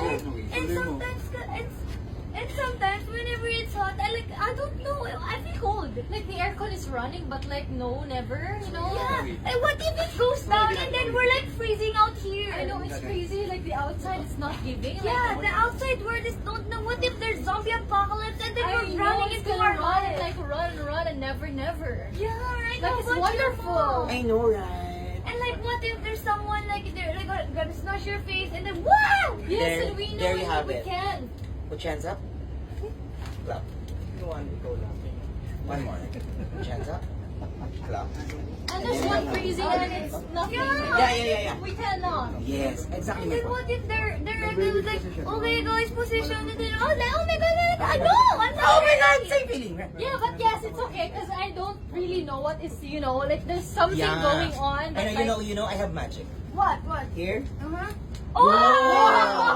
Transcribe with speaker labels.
Speaker 1: And sometimes whenever it's hot, I don't know, I feel cold.
Speaker 2: Like the aircon is running, but like no, never, you know?
Speaker 1: Yeah. And what if it goes down and then we're like freezing out here?
Speaker 2: I know, it's crazy, like the outside is not giving.
Speaker 1: Yeah,
Speaker 2: like,
Speaker 1: the outside world is don't know. What if there's zombie apocalypse and then
Speaker 2: I
Speaker 1: we're
Speaker 2: know,
Speaker 1: running
Speaker 2: it's
Speaker 1: into
Speaker 2: gonna
Speaker 1: our
Speaker 2: run,
Speaker 1: lives?
Speaker 2: like run, and never.
Speaker 1: Yeah, right.
Speaker 2: Like,
Speaker 1: How
Speaker 2: it's
Speaker 1: about
Speaker 2: wonderful.
Speaker 1: your mom?
Speaker 3: I know, right?
Speaker 1: And like, what if there's someone like they're like gonna smash your face and then wow!
Speaker 2: Yes, and we know
Speaker 3: there you have
Speaker 2: we
Speaker 3: it.
Speaker 2: can.
Speaker 3: Put your hands up. Clap. You want to go laughing? One more. Put your hands up. Clap.
Speaker 2: And there's one freezing and it's nothing.
Speaker 3: Yeah.
Speaker 2: We cannot.
Speaker 3: Yes, exactly
Speaker 1: And
Speaker 3: my
Speaker 1: then
Speaker 3: point.
Speaker 1: what if they're like, oh my god, it's position, and then oh my god, I know, I'm not
Speaker 3: Oh my God,
Speaker 1: ready.
Speaker 3: same feeling, right?
Speaker 2: Yeah, but yes, it's okay because I don't really know what is, you know, like there's something going on.
Speaker 3: I
Speaker 2: That,
Speaker 3: know,
Speaker 2: like,
Speaker 3: I have magic.
Speaker 1: What?
Speaker 3: Here.
Speaker 1: Uh-huh.
Speaker 3: Wow.